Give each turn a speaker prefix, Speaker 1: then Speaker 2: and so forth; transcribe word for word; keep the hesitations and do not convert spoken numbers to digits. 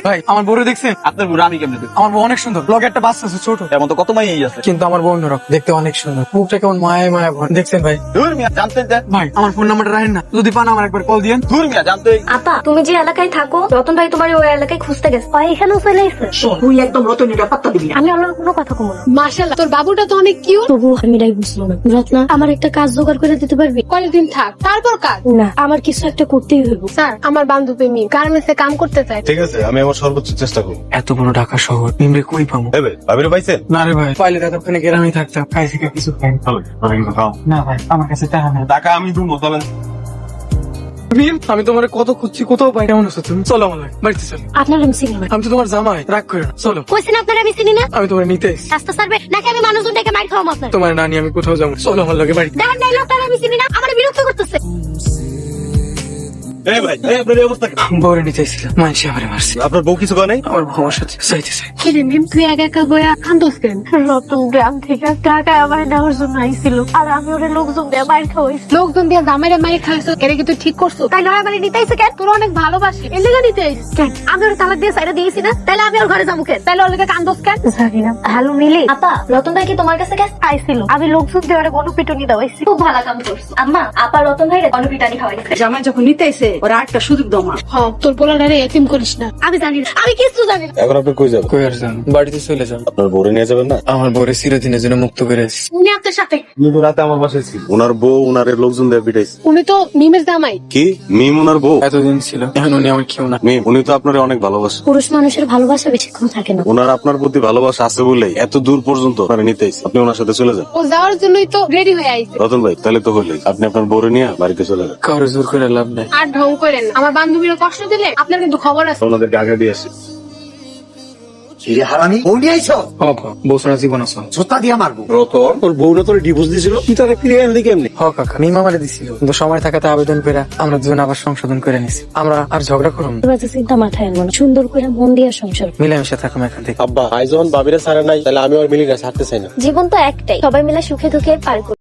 Speaker 1: ভাই আমার বউরে দেখছেন?
Speaker 2: আপনার বুড়া আমি কেমনে দেখবো?
Speaker 1: আমার বউ অনেক সুন্দর, লগে একটা বাচ্চা আছে ছোট,
Speaker 2: এমন তো কত মাইয়াই আছে।
Speaker 1: কিন্তু আমার বউ অন্যরকম, দেখতে অনেক সুন্দর, মুখটা কেমন মায়া মায়া ভর। দেখছেন ভাই?
Speaker 2: দূর মিয়া জানতেন যে
Speaker 1: ভাই আমার ফোন নাম্বারটা রাখেন না, যদি পান আমার একবার কল দিয়েন।
Speaker 2: দূর মিয়া জানতে
Speaker 3: আপা তুমি যে এলাকায় থাকো, রতন ভাই তোমার ওই এলাকায় খুঁজতে গেছে, ওই এখানেও চলে এসেছে।
Speaker 4: শোন, তুই একদম রতন এটা পাত্তা দিবি না।
Speaker 3: আমি ওনার কোনো কথা কমো না,
Speaker 5: মাশাআল্লাহ, তোর বাবুটা তো অনেক কিউট।
Speaker 3: তবু আমি এটাই বুঝলাম না। রত্না, আমার একটা কাজ জোগাড় করে দিতে পারবি?
Speaker 5: কয়েকদিন থাক, তারপর কাজ।
Speaker 3: না, আমার কিছু একটা করতেই হইব।
Speaker 5: স্যার, আমার বান্ধবী মি গার্মেন্টসে কাম করতে চায়।
Speaker 6: ঠিক আছে, আমি আমার সর্বোচ্চ চেষ্টা করবো।
Speaker 1: এত বড় ঢাকা শহর, নিমরে কই পাবো?
Speaker 6: এবে ভাবিরে পাইছেন?
Speaker 1: না রে ভাই, পাইলে এতক্ষণে গ্রামে থাকতাম, খাই থেকে কিছু খাই। না ভাই, আমার কাছে টাকা নেই।
Speaker 6: টাকা আমি দুমো, চলেন।
Speaker 1: মিম, আমি তোমার কত খুঁজছি, কোথাও পাই। কেমন আছো তুমি? চলো আমার লাগে, বাড়িতে চলো।
Speaker 3: আপনার আমি চিনি না।
Speaker 1: আমি তো তোমার জামাই, রাগ করে না, চলো।
Speaker 3: কইছেন আপনার আমি চিনি না।
Speaker 1: আমি তোমার নিতে এসেছি।
Speaker 3: রাস্তা সার্ভে নাকি আমি মানুষজন ডেকে মার খাওয়াম আপনার?
Speaker 1: তোমার নানি আমি কোথাও যাবো, চলো আমার লাগে বাড়িতে।
Speaker 3: দেখেন নাই লোকটার আমি চিনি না, আমার বিরক্ত করতেছে।
Speaker 6: এই ভাই, এই আপনার এই অবস্থা কেন?
Speaker 1: বউরে নিতে এসেছিলাম, মানসি আমারে মারছে।
Speaker 6: আপনার বউ কিছু করে নাই?
Speaker 1: আমার বউ আমার সাথে চাইতেছে।
Speaker 5: কি রে মিম, তুই একা একা বইয়া কান্দোস কেন?
Speaker 3: রতন গ্রাম থেকে ঢাকায় আমার নেওয়ার জন্য আইছিল, আর আমি ওরে লোকজন দিয়ে মার খাওয়াইছি।
Speaker 5: লোকজন দিয়ে জামাইরে মাইরে খাইছো, এটা কি তুই ঠিক করছো?
Speaker 3: তাই নয় আমার নিতে আইছে কেন?
Speaker 5: তোর অনেক ভালোবাসি, এর লেগে নিতে আইস।
Speaker 3: কেন? আমি ওর তালাক দিয়ে সাইডে দিয়েছি না, তাহলে আমি ওর ঘরে যাবো কেন?
Speaker 5: তাহলে ওর লেগে কান্দোস কেন?
Speaker 3: জানি না। হ্যালো মিলি, আপা রতন ভাই কি তোমার কাছে গেছে? আইছিল, আমি লোকজন দিয়ে ওরে গণপিটুনি দেওয়াইছি। খুব ভালো কাম করছো আম্মা। আপা রতন ভাই গণপিটানি খাওয়াইছে।
Speaker 4: জামাই যখন নিতে এসে ওরা একটা সুযোগ দাও মা।
Speaker 5: হ্যাঁ, তোর পোলাটারে এতিম করিস না।
Speaker 3: আমি জানি না, আমি কিছু জানি না।
Speaker 6: এখন আপনি কই যাবেন?
Speaker 1: কই আর যান, বাড়িতে চলে যান।
Speaker 6: আপনার বউরে নিয়ে যাবেন না?
Speaker 1: আমার বউরে চিরদিনের জন্য মুক্ত করে এসেছি।
Speaker 5: উনি আপনার সাথে,
Speaker 6: উনি তো রাতে আমার বাসায় ছিল। ওনার বউ ওনার লোকজন দিয়ে পিটাইছে।
Speaker 5: উনি তো মিমের জামাই।
Speaker 6: কি মিম ওনার বউ?
Speaker 1: এতদিন ছিল, এখন উনি আমার কেউ না।
Speaker 6: মিম উনি তো আপনার অনেক ভালোবাসে।
Speaker 3: পুরুষ মানুষের ভালোবাসা বেশিক্ষণ থাকে না।
Speaker 6: ওনার আপনার প্রতি ভালোবাসা আছে বলেই এত দূর পর্যন্ত আপনারা নিতে আইছে। আপনি ওনার সাথে চলে যান।
Speaker 5: ও যাওয়ার জন্যই তো রেডি হয়ে আইছে।
Speaker 6: রতন ভাই, তাহলে তো হইলেই। আপনি আপনার বউরে নিয়ে বাড়িতে চলে যান।
Speaker 1: কারো জোর করে লাভ নাই।
Speaker 5: আর ঢং করেন না, আমার বান্ধবীরা কষ্ট দিলে আপনার কিন্তু খবর আছে।
Speaker 6: ওনাদেরকে আগে দিয়ে আসি।
Speaker 4: হিরে হারামি, বউ নিয়ে আইছো?
Speaker 1: বাবা, বউ ছাড়া জীবন আছে?
Speaker 4: জোতা দিয়ে মারবো।
Speaker 6: রতন, তোর বউরা তোর ডিভোর্স দিয়েছিল, তুই তাকে ফিরে আনলি কেমনি?
Speaker 1: হ কাকা, মিম আমারে দিছিল, কিন্তু সময় থাকাতে আবেদন করে আমরা দুজন আবার সংশোধন করে নিছি। আমরা আর ঝগড়া করুন,
Speaker 3: এবার যে চিন্তা মাথায় আনবো না, সুন্দর করে মন দিয়ে সংসার।
Speaker 1: মিলেমিশে থাকুন এখান থেকে।
Speaker 7: আব্বা, আই যখন বাবিরা ছাড়া নাই, তাহলে আমি আর মিলি না ছাড়তে চাই না।
Speaker 3: জীবন তো একটাই, সবাই মিলে সুখে দুঃখে পার করি।